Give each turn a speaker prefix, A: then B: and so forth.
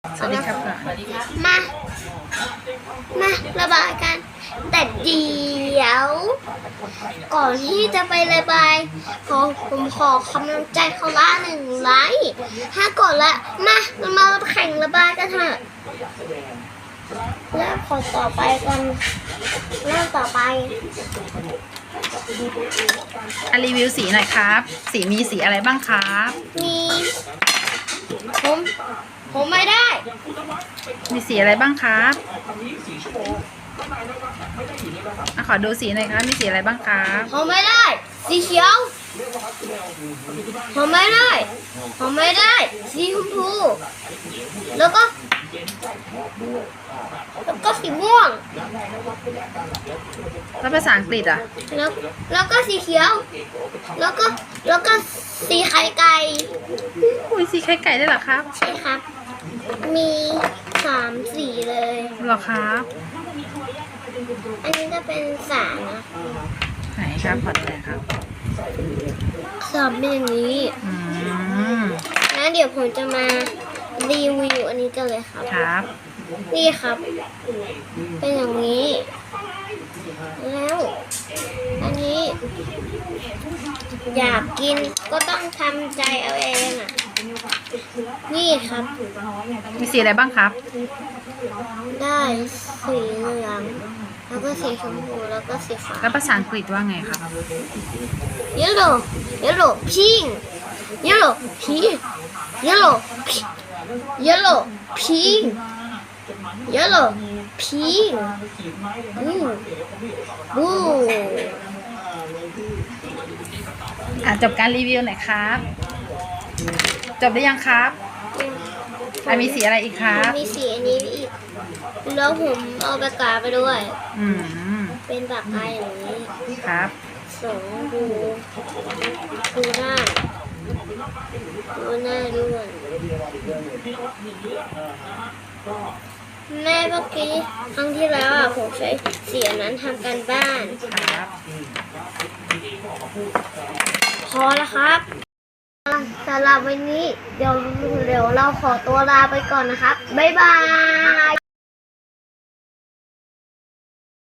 A: สวัสดีครับ
B: มาระบายกัน แต่เดี๋ยวก่อนที่จะไประบายผมขอกำลังใจเขาละ1 ไลค์ถ้ากดละมาแข่งระบายกันเถอะแล้วขอต่อไปกันเริ่มต่อไป
A: รีวิวสีหน่อยครับ สีมีสีอะไรบ้างครับ
B: มีผมไม่ได้
A: มีสีอะไรบ้างครับขอดูสีหน่อยครับ มีสีอะไรบ้างครับ
B: ผมไม่ได้ สีเขียวผมไม่ได้สีชมพูแล้วก็สีม่วง
A: แล้วภาษาอังกฤษอ่ะ
B: แล้วก็สีเขียว แล้วก็สีไข่ไก่
A: อุ้ยสีไข่ไก่ได้เหรอครับ
B: ใช่ครับ มี3 สีเลย
A: เหรอครับ
B: อันนี้ก็เป็นสามนะ
A: ไหนครับขอดูหน่อยครับ
B: สามเป็นอย่างนี้
A: อืม
B: แล้วเดี๋ยวผมจะมารีวิวอันนี้กันเลยครับ
A: ครับ
B: นี่ครับ เป็นอย่างนี้ แล้วอันนี้ อยากกินก็ต้องทำใจเอาเองอ่ะ นี่ครับ
A: มีสีอะไรบ้างครับ
B: ได้สีเหลืองแล้วก็สีชมพูแล้วก็สีฟ้า
A: แล้วภาษาอังกฤษว่าไงครับ
B: yellow pink yellow pink yellow pink yellow pink blue
A: จบการรีวิวหน่อยครับ จบได้ยังครับมีสีอะไรอีกครับ
B: มีสีอันนี้อีกแล้วผมเอาปากกาไปด้วย
A: อืม
B: เป็นปากกาอย่างนี้
A: ครับ
B: ดูหน้าด้วยแม่เมื่อกี้ครั้งที่แล้วผมใช้สีอันนั้นทำการบ้าน
A: ครับ
B: พอแล้วครับสำหรับวันนี้เดี๋ยวเราขอตัวลาไปก่อนนะครับบ๊ายบาย